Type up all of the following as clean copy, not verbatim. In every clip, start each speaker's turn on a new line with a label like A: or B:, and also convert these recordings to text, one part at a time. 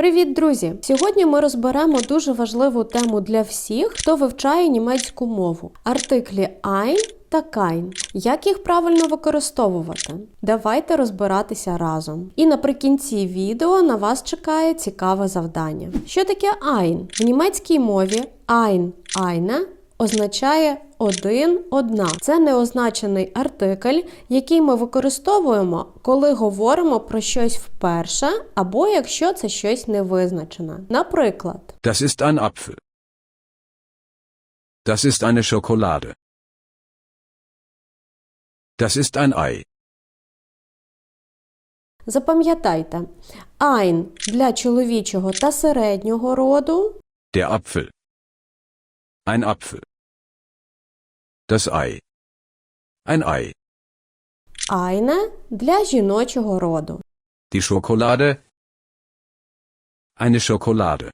A: Привіт, друзі! Сьогодні ми розберемо дуже важливу тему для всіх, хто вивчає німецьку мову. Артиклі ein та kein. Як їх правильно використовувати? Давайте розбиратися разом. І наприкінці відео на вас чекає цікаве завдання. Що таке ein? В німецькій мові ein, eine означає один, одна. Це неозначений артикль, який ми використовуємо, коли говоримо про щось вперше, або якщо це щось невизначене. Наприклад,
B: Das ist ein Apfel. Das ist eine Schokolade. Das ist ein Ei.
A: запам'ятайте, ein для чоловічого та середнього роду,
B: Der Apfel. Ein Apfel. Das Ei. Ein Ei.
A: eine для жіночого роду.
B: Die Schokolade. Eine Schokolade.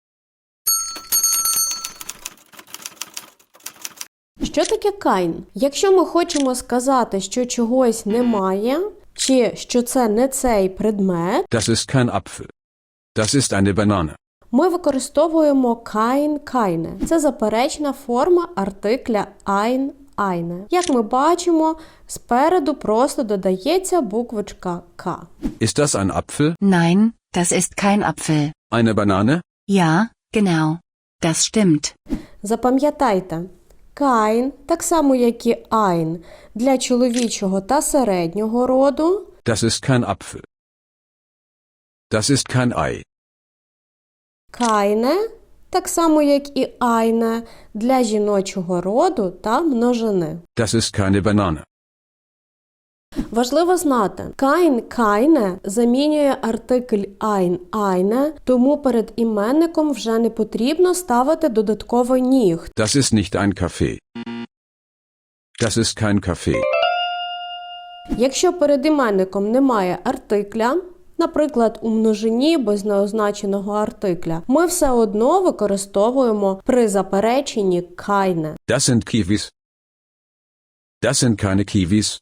A: Що таке kein? Якщо ми хочемо сказати, що чогось немає, чи що це не цей предмет,
B: Das ist kein Apfel. Das ist eine Banane.
A: ми використовуємо kein, keine. Це заперечна форма артикля ein, eine. Як ми бачимо, спереду просто додається буквочка К.
B: Ist das ein Apfel?
C: Nein, das ist kein Apfel.
B: Eine Banane?
C: Ja, genau. Das stimmt.
A: Запам'ятайте, kein, так само як і ein, для чоловічого та середнього роду,
B: Das ist kein Apfel. Das ist kein Ei.
A: keine, так само як і eine, для жіночого роду та множини.
B: Das ist keine Banane.
A: Важливо знати, kein, keine замінює артикль ein, eine, тому перед іменником вже не потрібно ставити додатковий ніг.
B: Das ist nicht ein Kaffee. Das ist kein Kaffee.
A: Якщо перед іменником немає артикля, наприклад, у множині без неозначеного артикля, ми все одно використовуємо при запереченні keine.
B: Das sind Kiwis. Das sind keine Kiwis.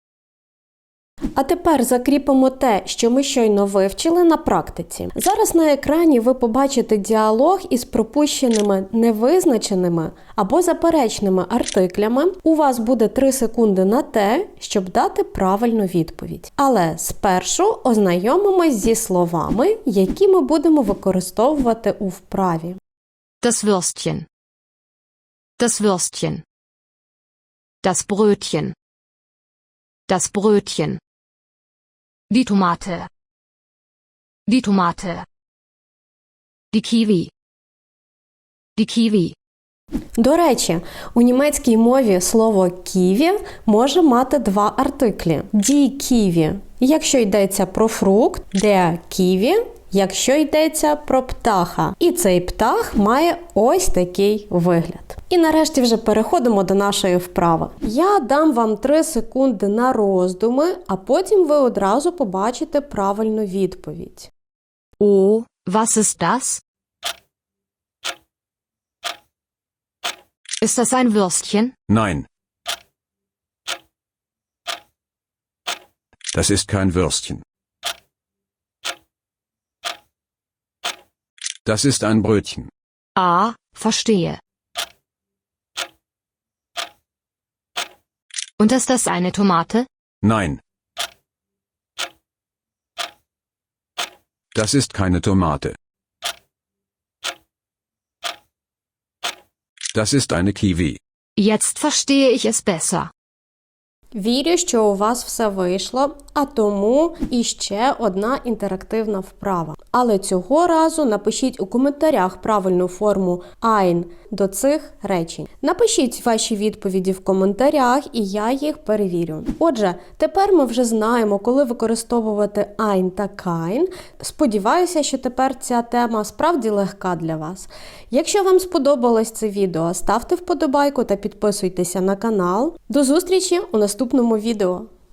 A: А тепер закріпимо те, що ми щойно вивчили на практиці. Зараз на екрані ви побачите діалог із пропущеними невизначеними або заперечними артиклями. У вас буде 3 секунди на те, щоб дати правильну відповідь. Але спершу ознайомимось зі словами, які ми будемо використовувати у вправі.
C: Das Würstchen. Das Würstchen. Das Brötchen. Das Brötchen. Die Tomate. Die Tomate. Die Kiwi. Die Kiwi.
A: До речі, у німецькій мові слово «ківі» може мати 2 артиклі. Die Kiwi, якщо йдеться про фрукт, der Kiwi, якщо йдеться про птаха. І цей птах має ось такий вигляд. І нарешті вже переходимо до нашої вправи. Я дам вам 3 секунди на роздуми, а потім ви одразу побачите правильну відповідь.
C: Oh, was ist das? Ist das ein Würstchen?
B: Nein. Das ist kein Würstchen. Das ist ein Brötchen.
C: Ah, verstehe. Und ist das eine Tomate?
B: Nein. Das ist keine Tomate. Das ist eine Kiwi.
C: Jetzt verstehe ich es besser.
A: Вірю, що у вас все вийшло, а тому іще одна інтерактивна вправа. Але цього разу напишіть у коментарях правильну форму ein до цих речень. Напишіть ваші відповіді в коментарях, і я їх перевірю. Отже, тепер ми вже знаємо, коли використовувати ein та kein. Сподіваюся, що тепер ця тема справді легка для вас. Якщо вам сподобалось це відео, ставте вподобайку та підписуйтеся на канал. До зустрічі у наступному відео.